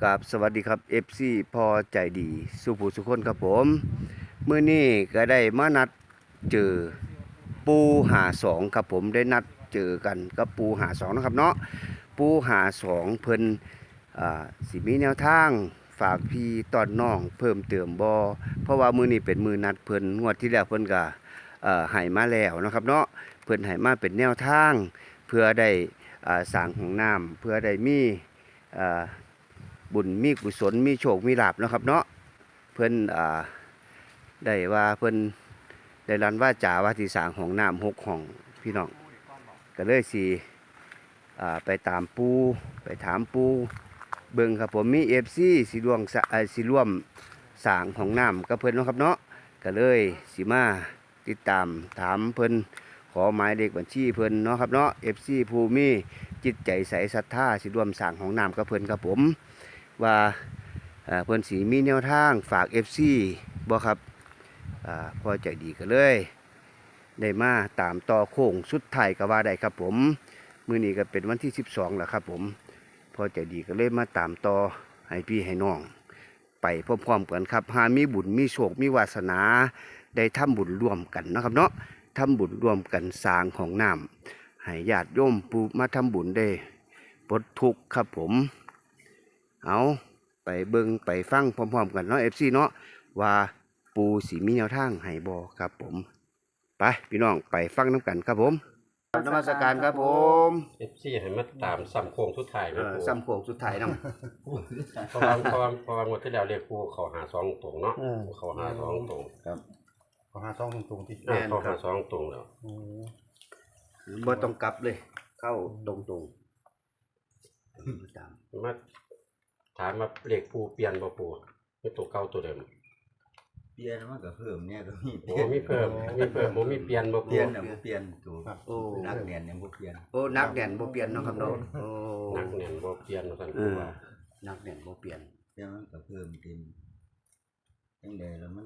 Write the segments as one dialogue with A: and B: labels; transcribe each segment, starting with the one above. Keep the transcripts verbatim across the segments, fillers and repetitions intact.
A: กับสวัสดีครับ เอฟ ซี พอใจดีสุภูสุคนครับผมมื้อนี้ก็ได้มานัดเจอปูหาสองครับผมได้นัดเจอกันกับปูหาสองนะครับเนาะปูหาสองเพิ่นอ่าสิมีแนวทางฝากพี่ตอนน้องเพิ่มเติมบ่เพราะว่ามื้อนี้เป็นมื้อนัดเพิ่นงวดที่แล้วเพิ่นก็เอ่อให้มาแล้วนะครับเนาะเพิ่นให้มาเป็นแนวทางเพื่อได้อ่าสร้างห้องน้ำเพื่อได้มีอ่าบุญมีกุศลมีโชคมีลาภนะครับเนาะเพิ่นอ่าได้ว่าเพิ่นได้รันว่าจาว่าที่สร้างห้องน้ำหกห้องพี่น้องก็เลยสิอ่าไปตามปูไปถามปูเบิ่งครับผมมี เอฟ ซี สิร่วมสิร่วมสร้างห้องน้ำกับเพิ่นเนาะครับเนาะก็เลยสิมาติดตามถามเพิ่นขอหมายเลขบัญชีเพิ่นเนาะครับเนาะ เอฟ ซี ผู้มีจิตใจใสศรัทธาสิร่วมสร้างห้องน้ำกับเพิ่นครับผมว่าเพิ่นสีมีแนวทางฝาก เอฟ ซี บ่ครับพอใจดีก็เลยได้มาตามต่อโค้งสุดท้ายก็ว่าได้ครับผมมื้อนี้ก็เป็นวันที่สิบสองแล้วครับผมพอใจดีก็เลยมาตามต่อให้พี่ให้น้องไปพร้อมๆกันครับหามีบุญมีโชคมีวาสนาได้ทำบุญร่วมกันนะครับเนาะทำบุญร่วมกันสร้างของน้ำให้ญาติโยมปูมาทำบุญได้ปลดทุกข์ครับผมเอาไปเบิ่งไปฟังพร้อมๆกันเนาะ เอฟ ซี เนาะว่าปูสีมีแนวทางให้บ่ครับผมไปพี่น้องไปฟังน้ำกันครับผมนมัสการครับผม
B: เอฟซีให้มาตามซ้ำโค้งสุดท้าย
A: เออซ้ำโค้งสุดท้ายนำ
B: เพราะว่าเพราะว่าเพราะว่างวดที่แล้วเรียกปูเขาหาสองตรงเนาะเขาหาสองตรง
A: ครับ
C: ขอหาซองตรงๆที่
B: อ่าเขาหาสองตรงแล้ว
A: บ่ต้องกลับเลยเข้าตรงๆตาม
B: มาถามมาเรียกปูเปลี่ยนบ่ปูไม่ตัวเก่าตัวเดิม
D: เปลี่ยนมันก็เพิ่มเนี่ยก็มี
B: โอ้มีเพิ่มมีเพิ่มบ่มีเปลี่ยนบ่
D: เป
B: ปู
D: ลี่ยนน่ะบ่เปลี่ยนตัว
A: โอ้
D: นักเรียนยังบ่เปลี่ยน
A: โอ้นักแน่นบ่เปลี่ยนเนาะครับเนาะโอ้
B: นักแน่นบ่เปลี่ยนว่าซั่น
A: เอ
B: ปู
A: อ
B: ว่า
A: นักแน่นบ่เปลี่ยน
D: เปลี่ยนมันก็เพิ่มเต็มจังได๋แล้วมัน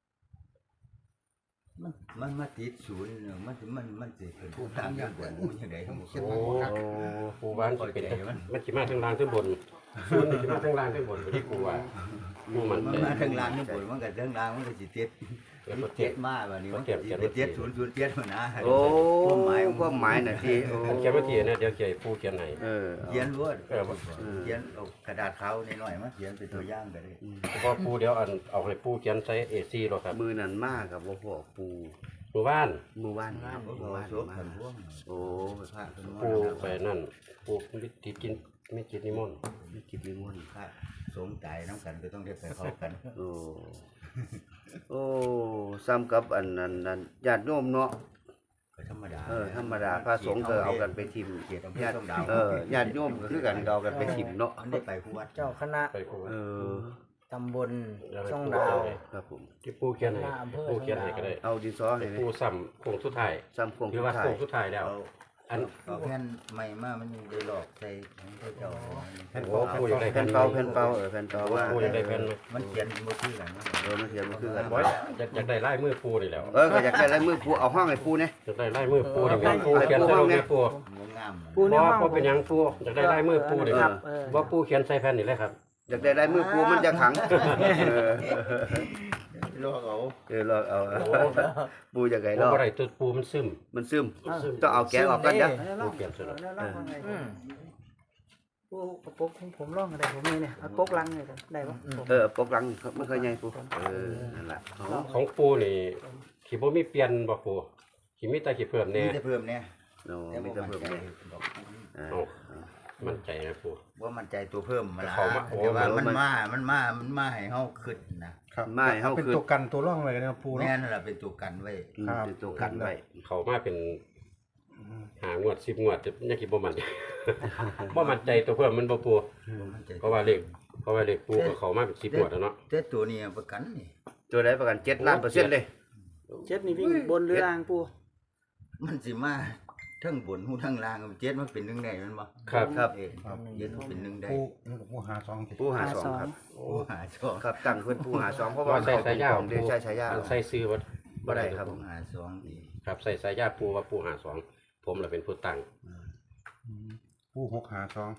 D: มันมันมาติดศูนย์เนี่ยมันสิมันมันสิเป็นผู้ทางอย่างบ่รู้จังได๋
B: โอ้ปูว่ามันสิเป็นมันสิมาทางล่างทางบนศูนย์นี่สิมาทางล่างทางบนบ่ที่ปูว่าปูมัน
D: มัน
B: ใจ
D: มาทางล่างนี่บ่มันก็ทางล่างมันก็สิติด
B: แล้วก็
D: เจ็
B: เจ็บ
D: ดมาบัดนี้มัน
B: เจ็
D: ก็
B: บ
D: สิ
B: เจ็บ
D: ไปเจ็ดศูนย์ศูนย์เจ็ดมันนะ
A: โอ้
D: ความหมาย
A: ความหมายน่ะที่โอ้
B: อันเขียนมาทีนะเดี๋ยวเขียนปูเขียนให้
A: เออ
D: เขียนรวด
B: เออ
D: เขียนเอากระดาษขาวน้อยๆมาเขียนเป็นตัวอย่างก็ได้
B: เพราะปูเดี๋ยวอันเอาให้ปูเขียนใส่ เอ สี่ แล้วครับ
A: มือนั้นมากกับบ่พอปู
B: หมู่บ้าน
A: มือว่าน
D: น้ำ
A: มื
D: บ่
A: อ
D: พอ
A: ว่าน
D: สวม
A: มา
D: กันพวง
A: โอ้ไปพระเพิ่น
B: ปู
A: ว่า
B: ไปนั่นปูมิติกินไม่กินนิมนต์
A: มีกิจนิมนต์
D: ถ้าสมใจน้ำกันก็ต้องได้ไปเข้ากัน
A: โอ้โอ้ซ้ำกับอันนั้นนั่นญาติโยมเนาะ
D: ก็ธรรมดา
A: เออธรรมดาพระสงฆ์ก็เอากันไปทิม
D: เกียรติอำเภอ
A: ญาติ
D: ต้องดาว
A: เออญาติโยมก็คือกันก็เอากันไปทิมเนาะ
D: อันได้ไปผู้วัด
E: เจ้าคณะ
B: ไปปู
A: เออ
E: ตำบล
B: แล้วให้
E: ช่อง
B: ปู
E: ดาว
B: เขียนให้
A: ครับผม
B: ที่ปูเขียนให้
E: หน้าอำเภอ
B: ปูเขียนให้ก็ได้
A: เอาดินสอให้
B: ปูซ้ำโค้งสุดท้าย
A: ซ้ำโครง
B: หรือ
A: สุด
B: ว่า
A: ท้าย
B: โค้งสุดท้ายแล้ว
D: เอา
B: อัน
D: เอาแผ่นใหม่มามันยังได้หลอกใส่ของพระเจ้า
B: โอ้ปูอยากได้
A: แผ่นเป่าแผ่นเป่าเออแผ่นเป่าว่า
B: ปูอยากได้แผ่นไหม
D: มันเขียนบ่คือกันนะ
A: เออมันเขียนมันคือกัน
B: โอ้ยอยากอยากได้ลายมือปูนี่แหล้ว
A: เออก็อยากได้ลายมือปูเอาห้องให้ปูเนี่ย
B: อยากได้ลายมือปูนี่แม่ปูเขียนใส่ลงในปู
D: มันงาม
E: ปู
B: บ่
E: ในห้อง
B: บ่เป็นหยังปูอยากได้ลายมือปูนี่
E: ค
B: ค
E: รั
B: รั
E: บบ เออ
B: ว่าปูเขียนใส่แผ่นนี่เลยครับ
A: อยากได้ลายมือปูมันจะขังเออ
D: ลอกเอา
A: เออลอกเอาปูอยากได้ล
B: บ่
A: อก
B: ได้ตัวปูมันซึม
A: มันซึมต้องเอาแกะออกกันเด้อ
B: ปูเขียนใส่แล้ว
E: อืมปูเอาปกของผมร่องอะไรผมนี่เนี่ยเอาปกลังเลยกันได้ปะผม
A: เออปกหลังมันเคยใหญ่ปูเออนั่นแหละเอา
B: ของปูนี่ขี้บ่มีเปลี่ยนบ่ปูขี้มีแต่ขี้เพิ่ม
D: นี่
B: แน่
D: จะเพิ่มเนี่ย
A: โอ้
D: แต่
A: มี
D: บ่
A: แต่
D: มั่น
A: เพิ่ม
D: ใจ
A: เนี่ย
D: ดอก
A: เออ
B: เอามั่นใจนะปู
D: ว่ามั่นใจตัวเพิ่มมาละ
B: เขามาโอ้
D: แต่ว่า
A: มั
D: มัน นมามันมามันมาให้เฮาขึ้นนะ
A: ไม่เฮา
C: เป็น
A: คือ
C: ตัวกันตัวร่องเลยนะปู
D: แม่
C: เนาะ
D: นั่นแหละเป็นตัวกันไว้
A: อืมเป็นตัวกันไว้
B: เขามาเป็นหางวดสิบงวดจะยังกี่บ่มัน บ่มั่นใจตัวเพิ่มมันบ่ปู
D: มั่นใจ
B: เพราะว่าเลขเพราะว่าเลขปูก็เขามาเป็นสิบงวดแล้วเนาะ
D: แต่ตัวนี้ประกันนี่
A: ตัวใดประกันเจ็ดล้านเปอร์เซ็นต์เลย
E: เจ็ดนี่วิ่งบนหรือล่างปู
D: มันสิมาทั้งบนหูทั้งล่างเจ็ดมันเป็นหนึ่งได้แมันบ่
B: ครับ
A: ครับ
D: เออเจ็ดมันเป็นหนึ่งได้
C: ปูนี่ก็ปูหาซองสิ
A: ปูหาสองครับ
D: โอ้หาสอง
A: ครับตั้งเพิ่นปูหาสองเพราะว่า
B: ว่าใส่สายยาว
A: เดี๋ยวใช้สายยาว
B: ใส่ซื้อบ่
A: บ่ได้ครับ
D: หาสองอีก
B: ครับใส่สายยาวปูว่าปูหาสองผมล่ะเป็นผู้ตั้ง
C: ปูหกหาซอง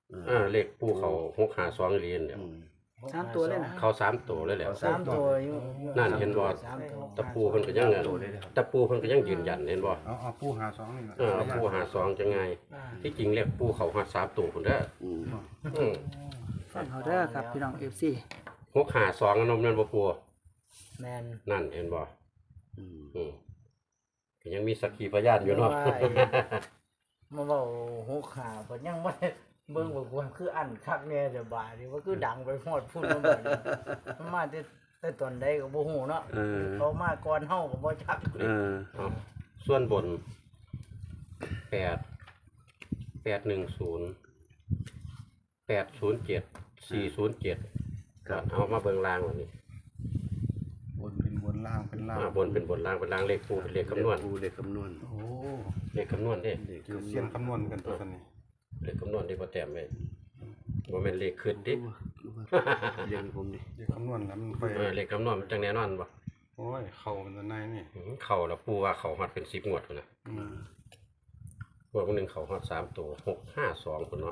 B: อ่าเลขปูเขาหกห้าสองเหรียญเนี่ย
A: อืม
E: สามตัวเลยนะ
B: เขาสามตัวเลยแหล้ว
E: สามตัวอยู่อยู่
B: นั่นเห็นบ่
E: สามตัว
B: ตะปูเพิ่นก็ยังตะปูเพิ่นก็ยังยืนยันเห็นบ่
C: เอาเอาปูหาสองนี่นะ
B: เออปูหาสองจะไง
E: อ่า
B: ที่จริงเลขปูเขาหาสามตัวพุ่นเด้อ
A: อืม
B: อืม
E: ฟังเขาเด้อครับพี่น้อง เอฟ ซี
B: หกห้าสองนมนั่นบ่ปู
E: แมน
B: นั่นเห็นบ่
A: อืม
B: อืมก็ยังมีสักขีพยานอยู่เนาะ
F: ว่าไอ้มาเว้าหูขาเพิ่นยังบ่ได้เบิ่งว่าควรคืออันคักแน่จะบาดนี่ว่าคือดังไปฮอดพุ่นมาบัดนี้มันมาแต่แต่ตอนใดก็บ่ฮู้เนาะ
A: เออ
F: เขามาก่อนเฮาก็บ่จัก
A: เออ
B: เอาส่วนบนแปดแปดหนึ่งศูนย์แปดศูนย์เจ็ดสี่ศูนย์เจ็ดครับเอามาเบิ่งล่างวันนี้
C: บนเป็นบนล่างเป็นล่าง
B: อ่าบนเป็นบนล่างเป็นล่างเลขปูเป็นเลขคำนวณ
A: ปูเลขคำนวณ
C: โอ้
B: เลขคำนวณเด้
A: เลข
C: คือ
A: คำน
C: เสี้
A: วย ณ
C: นคำนวณกันตัวนี้
B: เลขคำนวณที่พอแต้มไว้บ่แม่นเลขขึ้นดิ
A: เรียงให้ผมดิ
C: เรียกคำนวณแล้วมันไป
B: เออเลขคำนวณมันจังแน่นอนบ่
C: โอ้ยเข่ามันจะในนี่
B: อืมเข้าแล้วปูว่าเขาฮอดเป็นสิบงวดพุ่นน่ะ
C: อืม
B: งวดหนึงเขาฮอดสามตัวหกห้าสองพุ่นเนาะ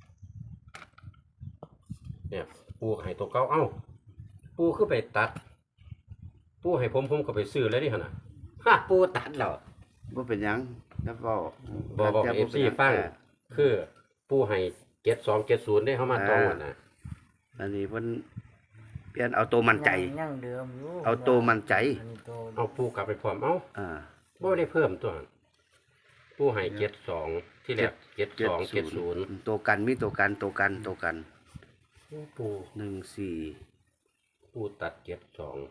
B: เนี่ยปูให้ตัวเก่าเอ้าปูคือไปตัด ปูให้ผมผมก็ไปซื้อแล้วนี่หั่นน่ะฮะปูตัดแล้ว
A: บ่เป็นหยังแล้วเว้า
B: บอกบอก
A: แต่
B: เอ
A: บ่
B: ฟ
A: ป็
B: ซี
A: นหยัง
B: ฟัง
A: แต่
B: คือผู้ให้เจ็ดสองเจ็ดศูนย์ได้เข้ามาตรงวันนะ
A: อันนี้เพิ่นเปลี่ยนเอาตัวมั่นใจ
F: ยังยังเดิมอยู่
A: เอาตัวมั่นใจ
F: อันนี้ตัว
B: เอาผู้กลับไปพร้อมเอ้า
A: อ่า
B: บ่ได้เพิ่มตัวผู้ให้เจ็ดสองที่แรกเจ็ดสองเจ็ดศูนย์
A: ตัวกันมีตัวกันตัวกันตัวกัน
B: ผู้
A: หนึ่งสี่
B: ผู้ตัดเจ็ดสอง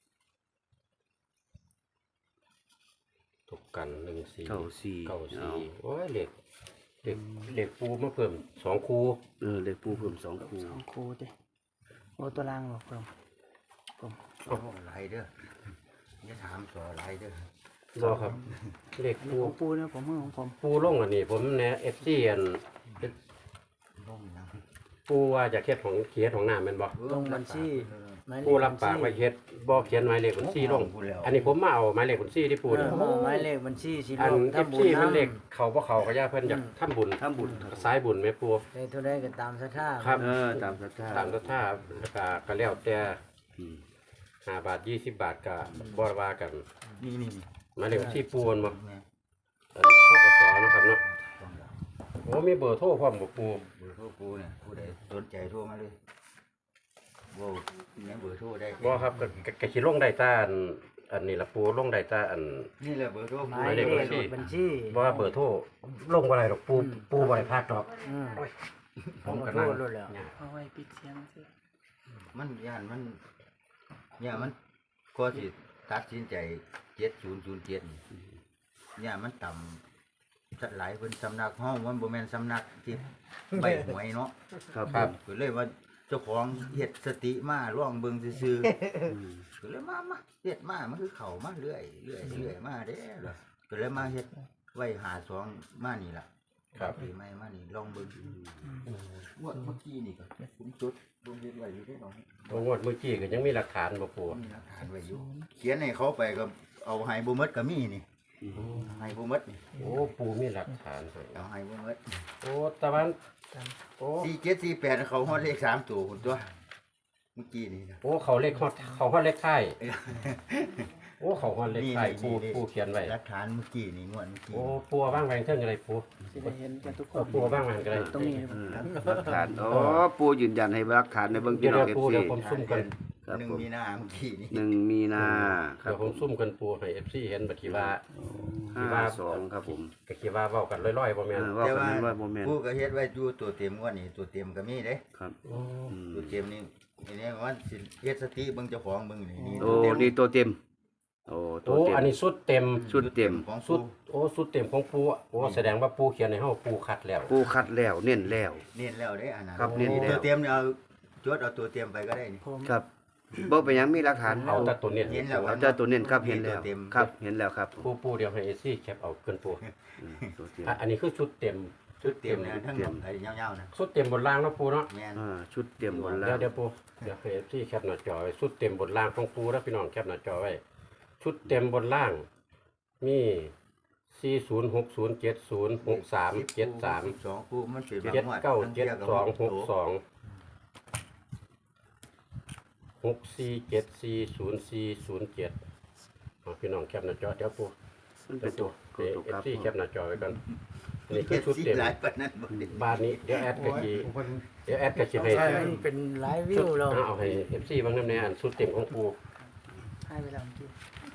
B: ตกกันหนึ่งสี่
A: เก้าสี่
B: เก้า
A: เอา
B: สี่โอ้ยเหล็กเหล็กเหล็กปูมาเพิ่มสองคู
A: เออเลขปูเพิ่มสองคู่
E: สองคู่เด้โอ้ตัวล่างบอกผมผม
D: โอ้หลายเด้ออย่าถามต่อหลายเด้อ
B: รอครับเหล็ก
E: นี่
B: ปู
E: ของปูเนี่ยผมมือของผม
B: ปูลงอันนี้ผมแนะเอฟซีอัน
D: ล่มนะ
B: ปูว่าจะเฮ็ดของเขียดของน้ำแม่นบ่
F: ลงบัญชีหมายเลข
B: ผู้รับปากไว้เฮ็ดบ่เขียนหมายเลขบัญชีลง อันนี้ผมมาเอาหมายเลขบัญชีที่ปู
F: เอ
B: นี่
F: อหมายเลขบัญชีสิ
B: อัน
F: ลง
B: เอฟ
F: ทำบุญ
B: ซีมัน
F: นำ
B: เลขเขาบ่เขาก็ย่าเพิ่นอยากทำบุญ
A: ทำบุญ
B: สายบุญแม่ปู
F: ได้เท่าใดก็ตามศรัทธา
B: ครับ
A: เออตามศรัทธา
B: ตามศรัทธาแล้วก็ก็แล้วแต่
A: อืม
B: ห้าบาทยี่สิบบาทก็บ่ว่ากัน
D: นี่นี่นี่
B: หมายเลขบัญชีปูนบ่
D: แม่
B: อันธกสเนาะครับเนาะ
D: ต้องแล้ว
B: โอ้มีเบอร์โทรพร้อมบ่ปู
D: เบอร์โทรปูเนี่ยผู้ใดสนใจโทรมาเลยโว้เนี่ยเบอร์โทรได้
B: บ่ครับก็ก็ก็สิลงได้แต่อันอันนี้ล่ะปูลงได้แต่อัน
D: นี่แหละเบอร์โทร
F: ห
D: ปู
F: มายเลข
B: หมายเลขบั
F: บั
B: ญ
F: ญ
B: ชี
F: ชี
B: บ่ว่าเบอร์โทรลงบ่ได้ดอกปูปูบ่ได้พลาดดอก
F: อืม
B: ผมก็
F: โท
B: นั่ง
F: รรู้แล้ว
E: เอาไว้ปิดเสียงสิ
D: มันย่านมันเนี่ยมันก็สิตัดสินใจเจ็ดศูนย์ศูนย์เจ็ดเนี่ยมันต่ำสักหลายเพิ่นสำนักห้องมันบ่แม่นสำนักที่ใบหวยเนาะ
A: ครับ
B: ครับ
D: ก็เลยว่าเจ้าของเฮ็ดสติมาร่องเบิ่งซื่อ
A: อืม
D: ๆก็เลยมามาเฮ็ดมามันคือเข้ามาเรื่อยเรื่อยเรื่อยมาเด้อก็เลยมาเฮ็ดไว้หาสองมานี่ล่ะ
B: ครับ
D: ปีใหม่มานี่ลองเบิ่งงวดเมื่อกี้นี่ก็ผมจุดลงเฮ็ดไว้อยู่ได้ดอก
B: บ่งวดเมื่อกี้ก็ยังมีหลักฐานบ่ปู
D: มีหลักฐานไว้อยู่เขียนให้เขาไปก็เอาให้บ่หมดก็มีนี่ให้บ่หมดนี่
B: โอ้ปูมีหลักฐานให้
D: เอาให้บ่หมด
B: โอ้ตะวันโอ้
D: สี่เจ็ดสี่แปดเขาฮอดเลขสามตัวพุ่นตัวเมื่อกี้นี่นะ
B: โอ้เขาเลขฮอดเขาฮอดเลขท้ายโอ้เขาฮอดเลขท้าย
D: นี่
B: ปู
D: นี่
B: ปูเขียนไว้
D: หลักฐานเมื่อกี้นี่งวดเมื่อกี้
B: โอ้ปูเอาว่างแหวงเทิงอะไรปู
E: สิได้เห็นกันทุกค
B: เอา
E: น
B: ปูเอาว่างแหวงก็ได้
E: ตรงนี้
A: เออหลักฐานอ๋อปูยืนยันให้หลักฐานในเบื้อง
B: เดี๋
A: พี่
B: ยว
A: น้อง
B: เดี๋ยวปู
A: เอฟซี
B: เดี๋ยวผมซุ่มกัน
A: ครับ
D: หนึ่ง
A: ผม
D: มีนาเมื่อกี้นี่
A: หนึ่งมีนาครั
B: เดี๋
A: บ
B: ยวผมซุ่มกันปูให้ เอฟ ซี เห็นบัดทีว่า
A: ห้าสองครับผม
B: ก็คิดว่าเว้ากันลอยๆบ่
A: เอ
B: แม่น
A: อว่ากันเป็นร้อยโมเมนต์
D: ผู้ก็เฮ็ดไว้อยู่ตัวเต็มงวดนี่ตัวเต็มก็มีเด้
A: ครับ
B: โอ้
A: อืม
D: ตัวเต็มนี่ทีนี้ว่าสิเฮ็ดสติเบิ่งเจ้าของเบิ่งนี่นี่
A: โอ้
D: ตัวเต็ม
A: นี่ตัวเต็มโอ้ตัว
B: โอ้
A: เต็ม
B: อันนี้สุดเต็ม
A: ชุดเต็ม
D: ของ
B: สุ
D: สุ
B: ด
D: ด
B: โอ้สุดเต็มของปูอะโอ้แสดงว่าปูเขียนให้เฮาปูคัดแล้ว
A: ปูคัดแล้วเน้นแล้ว
D: เน้นแล้วเด้อันนั้น
A: ครับเน้นแล้ว
D: ตัวเต็มเนี่ยเอาจดเอาตัวเต็มไปก็ได้นี่
E: ผม
A: ครับบ่เป็นหยังมีหลักฐาน
B: เอาแต่ตัวเนี้
D: เห็นแล้ว
A: เอาเจ้าตัวเน้นครับเห็นแล้ว
D: ตัวเต็ม
A: ครับเห็นแล้วครับ
B: ปูปูเดี๋ยวให้ เอฟ ซี แคปเอาเกินปู
A: อืมตัวเต็ม
B: อ่ะอันนี้คือชุดเต็ม
D: ชุดเต็มเนี่ยทั้งหมดไอ้ยาวๆนะ
B: ชุดเต็มบนล่างเนาะปูเนาะ
D: แม่น
A: อ่าชุดเต็มบน
B: เดี๋
A: แล้
B: ยว วเดี๋ยวปูเดี๋ยวให้ที่แคปหน้าจอไว้ชุดเต็มบนล่างของปูแล้วพี่น้องแคปหน้าจอไว้ชุดเต็มบนล่าง มีสี่ศูนย์หกศูนย์เจ็ดศูนย์หกสามเจ็ดสาม
D: สองคู่มันเป็น
B: เจ็ดเก้าเจ็ดสองหกสองหกสี่เจ็ดสี่ศูนย์สี่ศูนย์เจ็ดพี่น้องแคปหน้าจอเดี๋ยวปู
A: มัน
B: เดี๋
A: เป็
B: ย
A: น
B: ว
A: ตัวตัวครับ
B: ปูเอฟซีแคปหน้าจอไว้กันนี่คื
D: เจ็
B: อ
D: ด
B: ชุด
D: สี่
B: เต็ม
D: หลายปานนั้นบ่ได้
B: บ้านนี้เดี๋ยวแอดกะจี
C: โอ้ย
B: เดี๋ยวแอดกะจีให้
F: ใช่มันเป็นหลายวิ
B: ชุ
F: ว
B: ด
F: แล้ว
B: เอาให้เอฟซีบางน้ำในอันชุดเต็มของปู
E: ให้ไปแล้วเมื่อกี้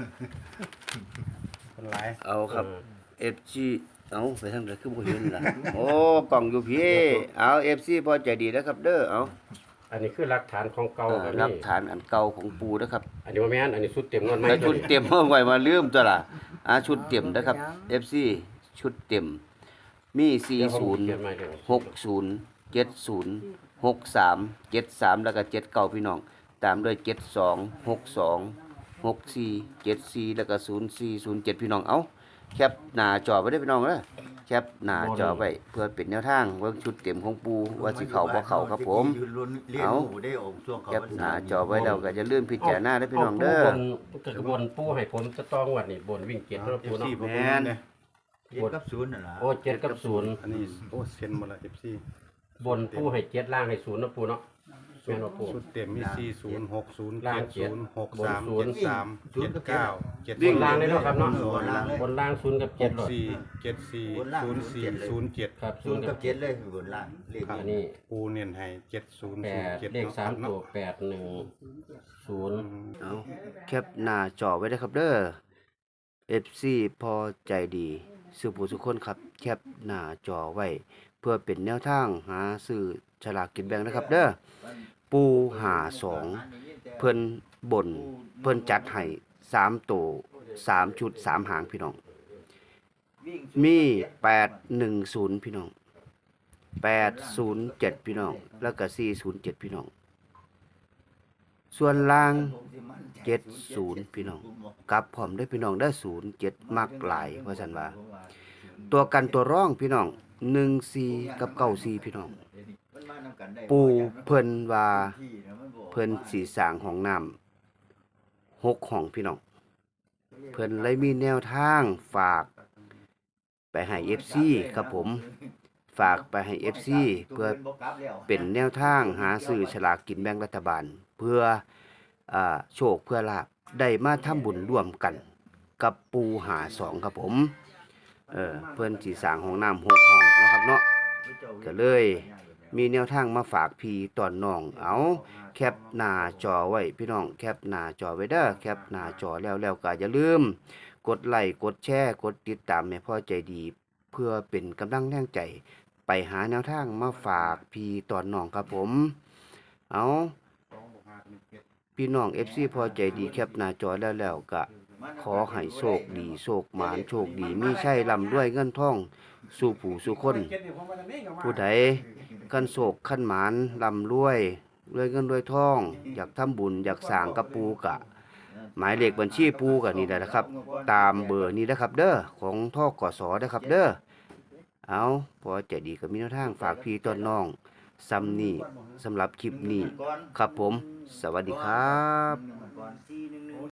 C: เป็นหลาย
A: เอาครับ เอฟซีเอาไปทางไหนคือบ่เห็นล่ะ โอ้กล่องอยู่พี่เอา เอฟซี พอใจดีนะครับเด้อเอา
B: อันนี้คือหลักฐานของเก่า
A: เออ
B: แบบ
A: หลั
B: นี้
A: กฐานอันเก่าของปูนะครับ
B: อันนี้ว่าแม่นอันนี้ชุดเต็มงวดใหม่
A: แล้ว
B: ตั
A: ชุ
B: ว
A: ด
B: นี้
A: เต็ม เอาไว้มาลืมตัวล่ะอ่าชุดเต็มนะครับ เอฟซี ชุดเต็ม มีสี่
B: เดี๋ยวผม
A: ศูนย์
B: เขียนใหม่เดี๋ยว
A: หกศูนย์เจ็ดศูนย์หกสามเจ็ดสามแล้วก็เจ็ดเก้าพี่น้อง ตามด้วยเจ็ดสองหกสองหกสี่เจ็ดสี่แล้วก็ศูนย์สี่ศูนย์เจ็ดพี่น้องเอาแคปหน้าจอไว้ได้อพี่น้องเด้อแคปหน้าจอไว้เพื่อเป็นแนวทางเบิ่งชุดเต็มของปูว่าสิเข้าบ่เข้าครับผม
D: ยืนลุ้นเลี้ยง
A: เอา
D: หมูได้ออกช่วงเขา
A: แคปหน้าจอไว้แล้วก็จะลืมพิจารณาได้อพี่น้องเด้อ
B: าปูบนกระบวนปูให้ผมจะต้องงวัดนี่บนวิ่งเจ็ดแล้ว
C: เอ
B: ปู
C: ฟซี
B: เนาะ
C: ผม
A: แม่น
C: เนี่ย
D: เจ็ดกับศูนย์นั่นล่ะ
B: โอ้เจ็ดกับศูนย์
C: อันนี้โอ้เซ็นหมดละเอฟซี
B: บนปูให้เจ็ดล่างให้ศูนย์เนาะปูเนาะแม่นว่าปู
C: ชุดเต็มมีสี่ศูนย์หกศูนย์
B: ล่า
C: เจ็
B: ง
C: ด
B: เจ็
C: ศู
B: ด
C: นย์หกสาม
B: บนศูนย์
C: เจ็ดสามเจ็ดเก้าเจ็ด
B: บนล่างเลยเนาะครับเนาะ
D: บนล่างเลย
B: บนล่างศูนย์กับ
C: ห
B: เจ็ด
C: ก
B: หลอด
C: สี่เจ็ดสี่ศูนย์สี่ศูนย์เจ็ด
B: ครับ
D: ศู
B: ศู
D: น
B: น
D: ย์
B: ย์
D: กั
B: กั
D: บบ เจ็ดเลยบนล่างเลข
B: อันนี้
C: ปูเน้นให้เจ็ดศูนย์
B: แป
C: ศูนย์
B: ด
C: เจ็ด
B: เลขสามตัวแปดหนึ่งศูนย์
A: เอาแคปหน้าจอไว้ได้อครับเด้อ เอฟ ซี พอใจดีสุผู้สุคนครับ แคปหน้าจอไว้ เพื่อเป็นแนวทางหาซื้อฉลากกินแบ่งนะครับเด้อ ปูหาสองเพิ่นบนเพิ่นจัดให้สามตัวสามชุดสามหางพี่น้อง มีแปดหนึ่งศูนย์พี่น้องแปดศูนย์เจ็ดพี่น้อง แล้วก็สี่ศูนย์เจ็ดพี่น้อง ส่วนล่างเจ็ดศูนย์พี่น้องกลับพร้อมได้อพี่น้องได้ศูนย์เจ็ดมักหลายว่าซั่นว่า ตัวกันตัวร่องพี่น้องหนึ่งสี่กับเก้าสี่พี่น้อง ปูเพิ่นว่าเพิ่นสีสร้างห้องน้ำหกห้องพี่น้อง เพิ่นเลยมีแนวทางฝากไปให้ เอฟ ซี ครับผม ฝากไปให้ เอฟ ซี เพื่อเป็นแนวทางหาซื้อฉลากกินแบ่งรัฐบาล เพื่ออ่าโชคเพื่อลาภได้มาทำบุญร่วมกันกับปูหาสองครับผม เออเพิ่นสีสร้างห้องน้ำหกห้องเนาะครับเนาะก็เลยมีแนวทางมาฝากพี่ตอนน้อง เอาแคปหน้าจอไว้พี่น้องแคปหน้าจอไว้เด้อแคปหน้าจอแล้วแล้วก็อย่าลืม กดไลค์กดแชร์กดติดตามให้พ่อใจดี เพื่อเป็นกำลังแรงใจ ไปหาแนวทางมาฝากพี่ตอนน้องครับผม เอาพี่น้อง เอฟ ซี พอใจดีแคปหน้าจอแล้วแล้วก็ขอให้โชคดีโชคหมานโชคดีมีใช่ร่ำรวยเงินทองสู่ผู้สู่คน ผู้ใดคันโศกคันหมานร่ำรวยรวยเงินรวยทอง อยากทำบุญอยากสร้างกับปูกะ หมายเลขบัญชีปูกะนี่แหละนะครับ ตามเบอร์นี้นะครับ เด้อของทกสนะครับเด้อเอาพอใจดีก็มีแนวทางฝากพี่ต้นน้องซ้ำนี่สำหรับคลิปนี้ครับผม สวัสดีครับ